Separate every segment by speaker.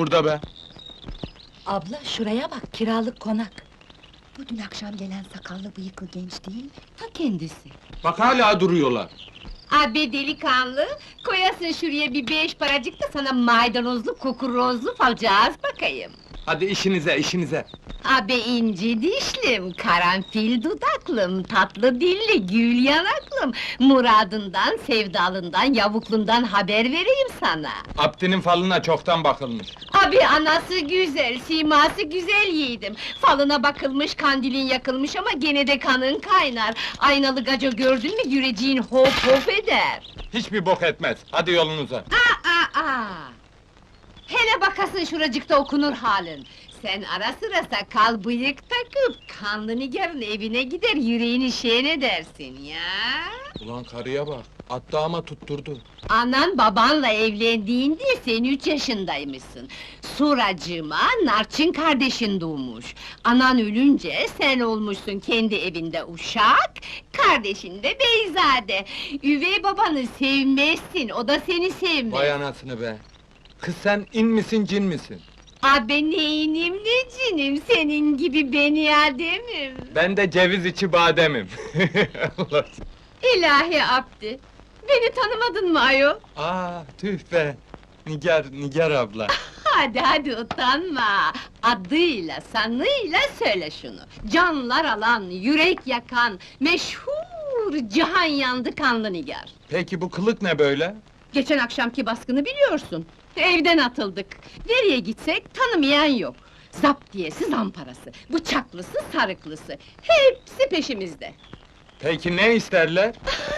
Speaker 1: burada be?
Speaker 2: Abla şuraya bak, kiralık konak.
Speaker 3: Bu dün akşam gelen sakallı bıyıklı genç değil mi?
Speaker 2: Ta kendisi.
Speaker 1: Bak hala duruyorlar.
Speaker 4: Abi delikanlı, koyasın şuraya bir 5 paracık da sana maydanozlu, kukurozlu falcağız bakayım.
Speaker 1: Hadi işinize, işinize.
Speaker 4: Abi inci dişlim, karanfil dudaklım, tatlı dilli, gül yanaklım... Muradından, sevdalından, yavuklundan haber vereyim sana.
Speaker 1: Abdinin falına çoktan bakılmış.
Speaker 4: Abi anası güzel, siması güzel yiğidim. Falına bakılmış, kandilin yakılmış ama gene de kanın kaynar. Aynalı gaca gördün mü yüreceğin hop hop eder.
Speaker 1: Hiçbir bok etmez. Hadi yolunuza.
Speaker 4: Aa! Hele bakasın şuracıkta okunur halin. Sen ara sıra sakal bıyık takıp, kanlı nigarın evine gider, yüreğini şen edersin ya!
Speaker 1: Ulan karıya bak, attı ama tutturdu.
Speaker 4: Anan babanla evlendiğinde sen 3 yaşındaymışsın. Suracığıma Narçın kardeşin doğmuş. Anan ölünce sen olmuşsun kendi evinde uşak, kardeşin de beyzade. Üvey babanı sevmezsin, o da seni sevmez.
Speaker 1: Vay anasını be! Kız sen in misin, cin misin?
Speaker 4: Abi neyinim ne cinim, senin gibi beni ademim.
Speaker 1: Ben de ceviz içi bademim. Allah!
Speaker 4: İlahi Abdi, beni tanımadın mı ayol?
Speaker 1: Tüh be! Nigar abla.
Speaker 4: Hadi utanma! Adıyla, sanıyla söyle şunu! Canlar alan, yürek yakan, meşhur cihan yandı kanlı nigar!
Speaker 1: Peki bu kılık ne böyle?
Speaker 4: Geçen akşamki baskını biliyorsun! Evden atıldık! Nereye gitsek tanımayan yok! Zaptiyesi, zamparası, bıçaklısı, sarıklısı... Hepsi peşimizde!
Speaker 1: Peki ne isterler?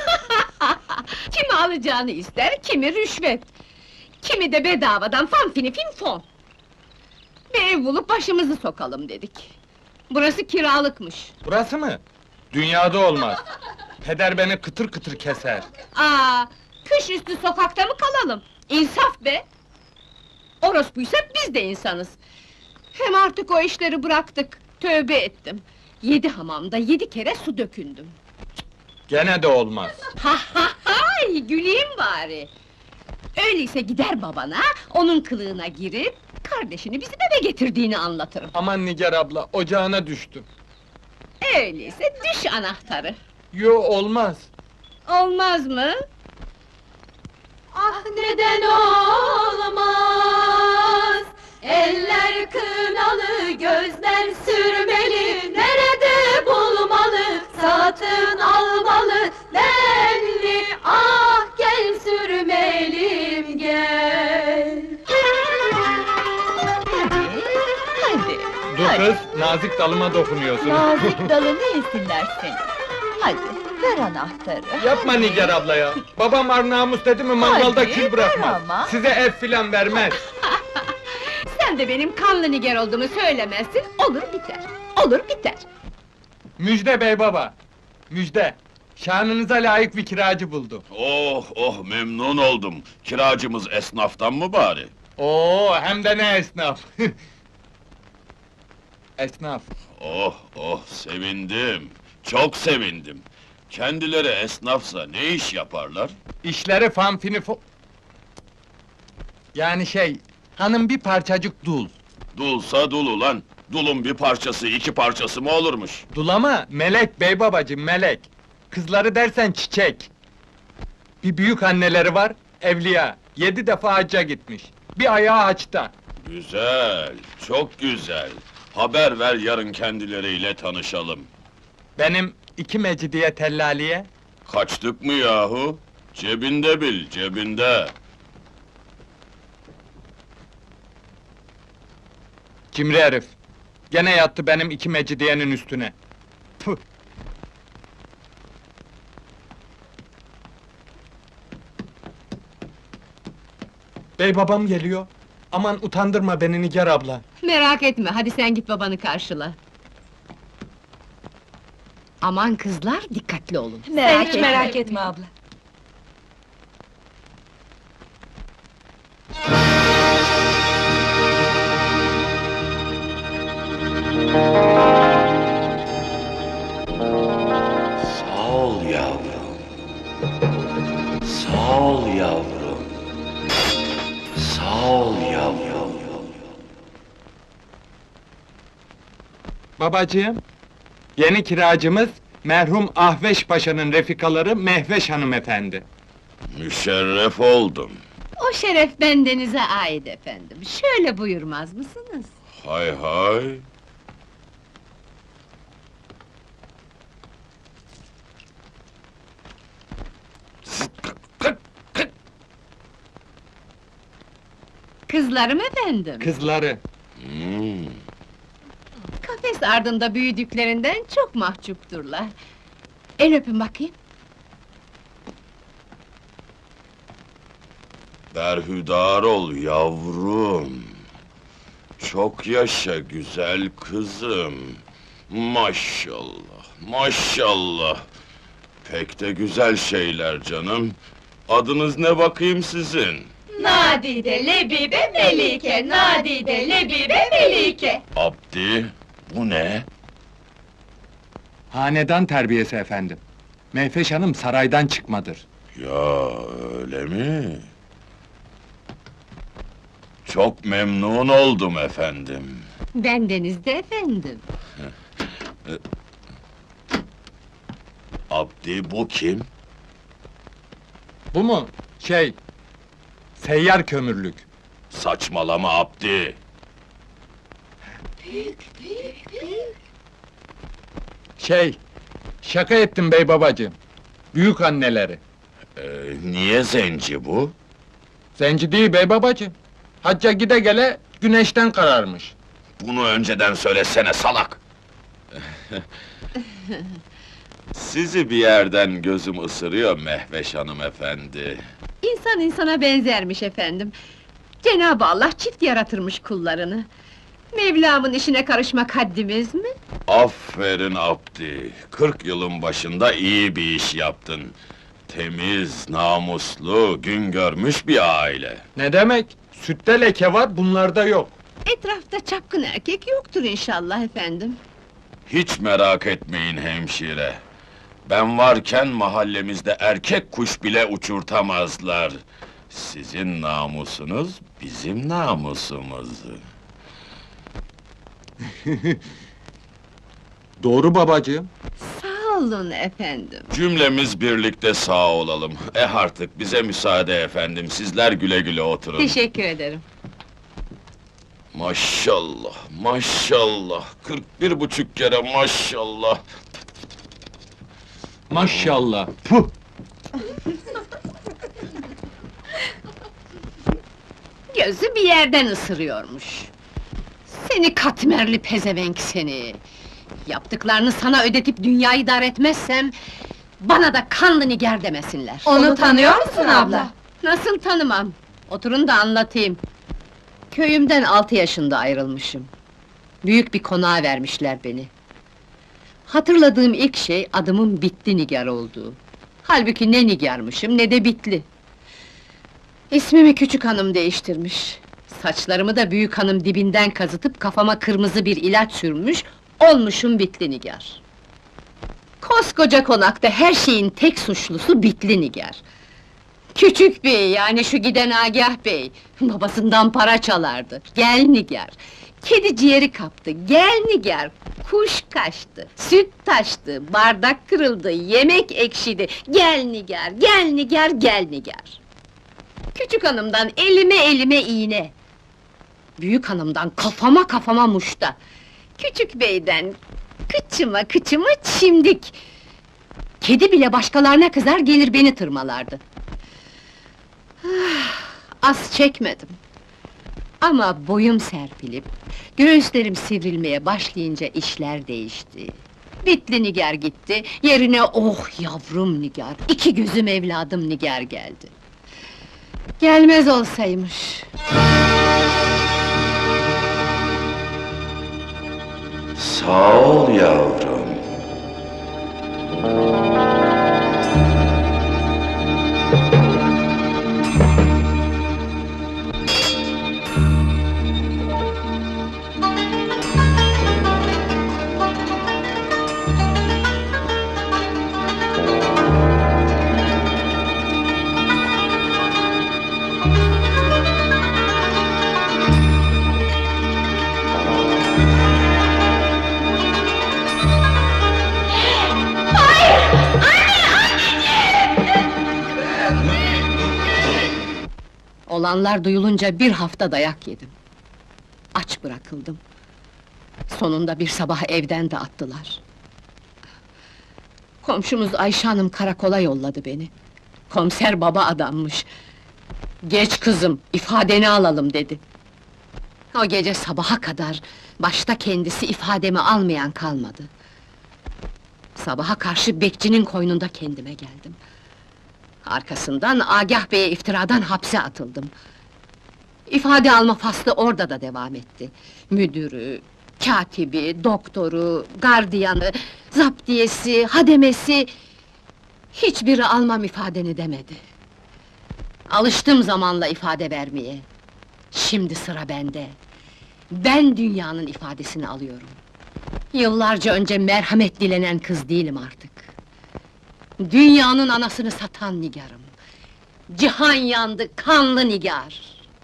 Speaker 4: Kimi alacağını ister, kimi rüşvet! Kimi de bedavadan fanfini finfon! Bir ev bulup başımızı sokalım dedik! Burası kiralıkmış!
Speaker 1: Burası mı? Dünyada olmaz. Peder beni kıtır kıtır keser.
Speaker 4: Kış üstü sokakta mı kalalım? İnsaf be! Orospuysa biz de insanız! Hem artık o işleri bıraktık, tövbe ettim! 7 hamamda 7 kere su dökündüm!
Speaker 1: Gene de olmaz.
Speaker 4: Hay, güleyim bari! Öyleyse gider babana, onun kılığına girip... ...kardeşini bizim eve getirdiğini anlatırım!
Speaker 1: Aman Nigar abla, ocağına düştüm.
Speaker 4: Öyleyse düş anahtarı!
Speaker 1: Yo, olmaz.
Speaker 4: Olmaz mı? Ah neden olmaz? Eller kınalı, gözler sürmeli. Nerede bulmalı, satın almalı. Benli, ah gel sürmelim gel. Hadi.
Speaker 1: Dur kız, nazik dalıma dokunuyorsun.
Speaker 2: Nazik dalını yesinler seni. Hadi, ver anahtarı.
Speaker 1: Yapma Nigar abla ya! Babam ar namus dedi mi mangalda
Speaker 2: Hadi,
Speaker 1: kül bırakmaz.
Speaker 2: ver ama.
Speaker 1: Size ev filan vermez.
Speaker 4: Sen de benim kanlı nigar olduğumu söylemezsin, olur biter. Olur biter.
Speaker 1: Müjde bey baba! Müjde! Şanınıza layık bir kiracı buldum.
Speaker 5: Oh memnun oldum. Kiracımız esnaftan mı bari?
Speaker 1: Oo, hem de ne esnaf! Esnaf.
Speaker 5: Sevindim. Çok sevindim. Kendileri esnafsa ne iş yaparlar?
Speaker 1: İşleri fanfini Yani hanım bir parçacık dul.
Speaker 5: Dulsa dul ulan. Dulun bir parçası, 2 parçası mı olurmuş?
Speaker 1: Dul ama melek bey babacığım, melek! Kızları dersen çiçek! Bir büyük anneleri var, evliya, 7 defa hacca gitmiş. Bir ayağı haçta.
Speaker 5: Güzel, çok güzel. Haber ver yarın kendileriyle tanışalım.
Speaker 1: Benim 2 mecidiye tellaliye,
Speaker 5: Kaçtık mı yahu? Cebinde bil, cebinde.
Speaker 1: cimri herif! Gene yattı benim 2 mecidiyenin üstüne. Püh! Bey babam geliyor. Aman utandırma beni Nigar abla.
Speaker 4: Merak etme, hadi sen git babanı karşıla. Aman kızlar, dikkatli olun.
Speaker 2: Merak etme. Merak etme abla.
Speaker 5: Sağ ol yavrum. Sağ ol yavrum. Sağ ol yavrum.
Speaker 1: Babacığım, yeni kiracımız merhum Ahveş Paşa'nın refikaları Mehveş hanımefendi.
Speaker 5: Müşerref oldum.
Speaker 4: O şeref bendenize ait efendim. Şöyle buyurmaz mısınız?
Speaker 5: Hay hay.
Speaker 4: Kızlarım efendim.
Speaker 1: Kızları.
Speaker 5: Hmm,
Speaker 4: Kafes ardında büyüdüklerinden çok mahcupturlar. El öpün bakayım.
Speaker 5: berhudar ol yavrum. Çok yaşa güzel kızım. Maşallah, maşallah. Pek de güzel şeyler canım. Adınız ne bakayım sizin?
Speaker 2: Nadide, Lebibe, Melike, Nadide, Lebibe, Melike.
Speaker 5: Abdi, bu ne?
Speaker 1: Hanedan terbiyesi efendim. Mehveş hanım saraydan çıkmadır.
Speaker 5: Ya öyle mi? Çok memnun oldum efendim.
Speaker 4: Bendenizde efendim.
Speaker 5: Abdi bu kim?
Speaker 1: Bu mu? Seyyar kömürlük.
Speaker 5: Saçmalama Abdi.
Speaker 1: Şaka ettim bey babacığım. Büyük anneleri.
Speaker 5: Niye zenci bu?
Speaker 1: Zenci değil bey babacığım. Hacca gide gele güneşten kararmış.
Speaker 5: Bunu önceden söylesene salak! Sizi bir yerden gözüm ısırıyor Mehveş hanımefendi.
Speaker 4: İnsan insana benzermiş efendim. Cenab-ı Allah çift yaratırmış kullarını. Mevlamın işine karışmak haddimiz mi?
Speaker 5: Aferin Abdi! 40 yılın başında iyi bir iş yaptın. Temiz, namuslu, gün görmüş bir aile.
Speaker 1: Ne demek? Sütte leke var, bunlarda yok.
Speaker 4: Etrafta çapkın erkek yoktur inşallah efendim.
Speaker 5: Hiç merak etmeyin hemşire. Ben varken mahallemizde erkek kuş bile uçurtamazlar. Sizin namusunuz bizim namusumuz.
Speaker 1: Doğru babacığım.
Speaker 4: Sağ olun efendim.
Speaker 5: Cümlemiz birlikte sağ olalım. Artık bize müsaade efendim, sizler güle güle oturun.
Speaker 4: Teşekkür ederim.
Speaker 5: Maşallah, maşallah, 41,5 kere maşallah.
Speaker 1: Maşallah. Puh!
Speaker 4: Gözü bir yerden ısırıyormuş. Seni katmerli pezevenk seni! Yaptıklarını sana ödetip dünyayı dar etmezsem... ...bana da kanlı nigar demesinler.
Speaker 2: Onu tanıyor musun abla?
Speaker 4: Nasıl tanımam? Oturun da anlatayım. Köyümden 6 yaşında ayrılmışım. Büyük bir konağa vermişler beni. Hatırladığım ilk şey adımın Bitli Nigar olduğu. Halbuki ne nigarmışım ne de Bitli. İsmimi Küçük Hanım değiştirmiş. Saçlarımı da Büyük Hanım dibinden kazıtıp kafama kırmızı bir ilaç sürmüş, olmuşum Bitli Nigar. Koskoca konakta her şeyin tek suçlusu Bitli Nigar. Küçük bey, yani şu giden Agah bey, babasından para çalardı. Gel Nigar! Kedi ciğeri kaptı, gel Nigar! Kuş kaçtı, süt taştı, bardak kırıldı, yemek ekşidi. Gel Nigar, gel Nigar, gel Nigar! Küçük hanımdan elime iğne. Büyük hanımdan kafama muşta. Küçük beyden kıçıma çimdik. Kedi bile başkalarına kızar gelir beni tırmalardı. Ah, az çekmedim. Ama boyum serpilip, göğüslerim sivrilmeye başlayınca işler değişti. Bitli Nigar gitti, yerine oh yavrum Nigar, 2 gözüm evladım Nigar geldi. Gelmez olsaymış.
Speaker 5: Sağ ol yavrum.
Speaker 4: Olanlar duyulunca bir hafta dayak yedim. Aç bırakıldım. Sonunda bir sabah evden de attılar. Komşumuz Ayşe Hanım karakola yolladı beni. Komiser baba adammış. Geç kızım, ifadeni alalım dedi. O gece sabaha kadar, başta kendisi ifademi almayan kalmadı. Sabaha karşı bekçinin koynunda kendime geldim. Arkasından Agah Bey'e iftiradan hapse atıldım. İfade alma faslı orada da devam etti. Müdürü, katibi, doktoru, gardiyanı, zaptiyesi, hademesi... Hiçbiri almam ifadeni demedi. Alıştım zamanla ifade vermeye. Şimdi sıra bende. Ben dünyanın ifadesini alıyorum. Yıllarca önce merhamet dilenen kız değilim artık. Dünyanın anasını satan nigarım. Cihan yandı, kanlı nigar.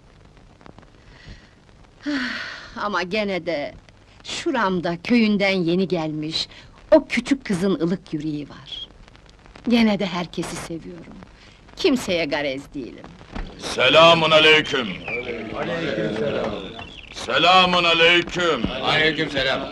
Speaker 4: Ama gene de... Şuramda köyünden yeni gelmiş... O küçük kızın ılık yüreği var. Gene de herkesi seviyorum. Kimseye garez değilim.
Speaker 5: Selamun aleyküm. Selamun aleyküm.
Speaker 6: Aleykümselam.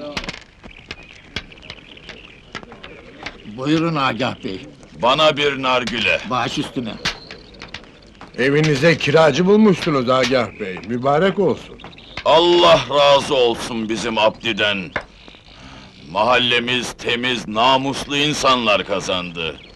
Speaker 7: Buyurun Agah Bey,
Speaker 5: Bana bir nargile.
Speaker 7: baş üstüne.
Speaker 6: Evinize kiracı bulmuşsunuz Agah Bey, mübarek olsun.
Speaker 5: Allah razı olsun bizim Abdi'den. Mahallemiz temiz, namuslu insanlar kazandı.